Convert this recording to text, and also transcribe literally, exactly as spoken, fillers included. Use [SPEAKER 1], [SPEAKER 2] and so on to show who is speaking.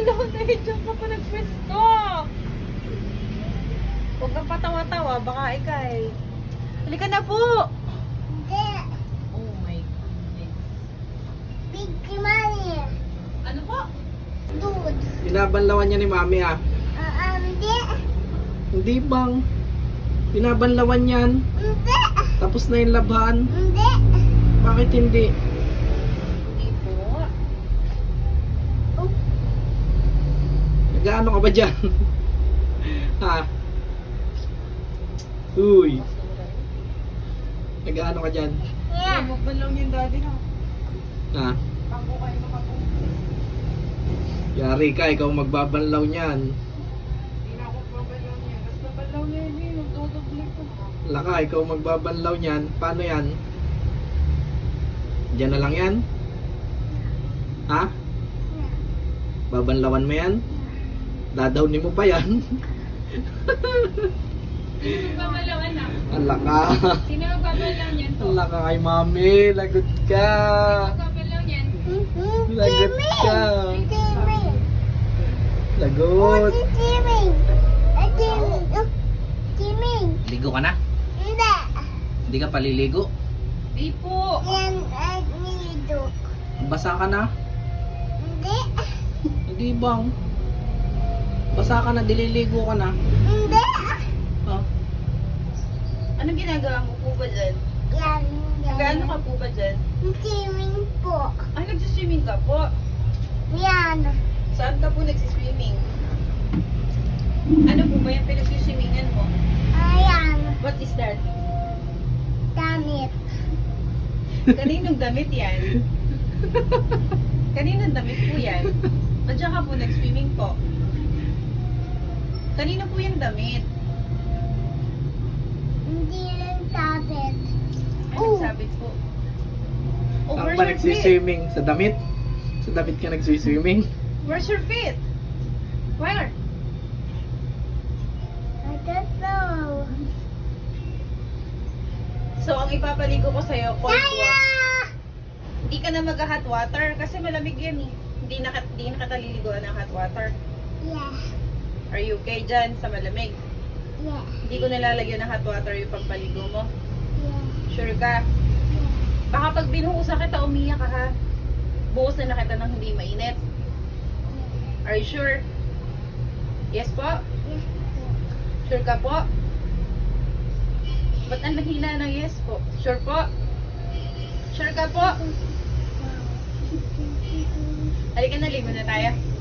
[SPEAKER 1] Wala na eh, dyan ka pa nagpwesto. Huwag kang patawa-tawa, baka ikay. Halika na po!
[SPEAKER 2] Hindi.
[SPEAKER 1] Oh my goodness.
[SPEAKER 2] Big money.
[SPEAKER 1] Ano po?
[SPEAKER 2] Dude.
[SPEAKER 3] Binabanlawan niya ni Mami ah.
[SPEAKER 2] Ah, hindi.
[SPEAKER 3] Hindi bang? Binabanlawan yan.
[SPEAKER 2] Hindi.
[SPEAKER 3] Tapos na yung labhan.
[SPEAKER 2] Hindi.
[SPEAKER 3] Bakit hindi?
[SPEAKER 1] Hindi po.
[SPEAKER 2] Oh,
[SPEAKER 3] Nag-ano ka ba dyan? ha? Uy, nag-ano ka dyan?
[SPEAKER 2] yeah.
[SPEAKER 1] Huwag ba lang yung daddy ha?
[SPEAKER 3] Ha?
[SPEAKER 1] Bago kayo makapunta.
[SPEAKER 3] Yari ka, ikaw magbabanlaw niyan.
[SPEAKER 1] Hindi na ako babalaw niya. Basta balaw na yun eh. Nagdodoble ko.
[SPEAKER 3] Laka, ikaw magbabanlaw niyan. Paano yan? Diyan na lang yan? Ha? Babanlawan mo yan? Dadawnin mo pa yan?
[SPEAKER 1] Sino magbabalaw anak?
[SPEAKER 3] Alaka.
[SPEAKER 1] Sino magbabalaw niyan po?
[SPEAKER 3] Alaka kay Mami. Lagot ka.
[SPEAKER 1] Magbabalaw niyan?
[SPEAKER 3] Lagot ka.
[SPEAKER 2] Timmy.
[SPEAKER 3] Lagot.
[SPEAKER 2] Si Timmy. Ah, Timmy. Oh, Timmy.
[SPEAKER 3] Ligo ka na?
[SPEAKER 2] Hindi.
[SPEAKER 3] Hindi ka paliligo?
[SPEAKER 1] Di po.
[SPEAKER 2] Yan ay nido.
[SPEAKER 3] Basa ka na?
[SPEAKER 2] Hindi.
[SPEAKER 3] Hindi bang? Basa ka na, dililigo ka na.
[SPEAKER 2] Hindi.
[SPEAKER 3] Oh.
[SPEAKER 1] Anong ginagawa mo po ba dyan?
[SPEAKER 2] Yan. Yan.
[SPEAKER 1] Gaano ka po ba dyan?
[SPEAKER 2] Timmy po.
[SPEAKER 1] Ay, nagsiswimming ka po.
[SPEAKER 2] Yan.
[SPEAKER 1] Saan ka po nagsiswimming? Ano po ba yung pinagsiswimmingan mo?
[SPEAKER 2] Ayan.
[SPEAKER 1] What is that?
[SPEAKER 2] Damit.
[SPEAKER 1] Kaninong damit yan? Kaninong damit po yan? Nandiyan ka po nag-swimming po. Kanino po yung damit?
[SPEAKER 2] Hindi lang tablet.
[SPEAKER 1] Ay,
[SPEAKER 2] Oh.
[SPEAKER 1] nagsabit po. Oh,
[SPEAKER 3] Saan
[SPEAKER 1] where's
[SPEAKER 3] ba
[SPEAKER 1] your feet?
[SPEAKER 3] nagsiswimming? Sa damit? Sa damit ka nagsiswimming?
[SPEAKER 1] Where's your feet? Where?
[SPEAKER 2] I don't know.
[SPEAKER 1] So, ang ipapaligo ko sa'yo, cold
[SPEAKER 2] Kaya!
[SPEAKER 1] water. Hindi ka na mag-hot water kasi malamig yan eh. Hindi na, hindi na kataliliguan ng hot water.
[SPEAKER 2] Yeah.
[SPEAKER 1] Are you okay dyan sa malamig?
[SPEAKER 2] Yeah.
[SPEAKER 1] Hindi ko nalalagyan ng hot water yung pagpaligo mo.
[SPEAKER 2] Yeah.
[SPEAKER 1] Sure ka? Baka pag binuhusan kita, umiyak ka ha. Buhos na na kita ng hindi mainit. Are you sure? Yes po?
[SPEAKER 2] Yeah.
[SPEAKER 1] Sure ka po? Ba't ang lahina ng yes po? Sure po? Sure ka po? Halika na, ligo na tayo.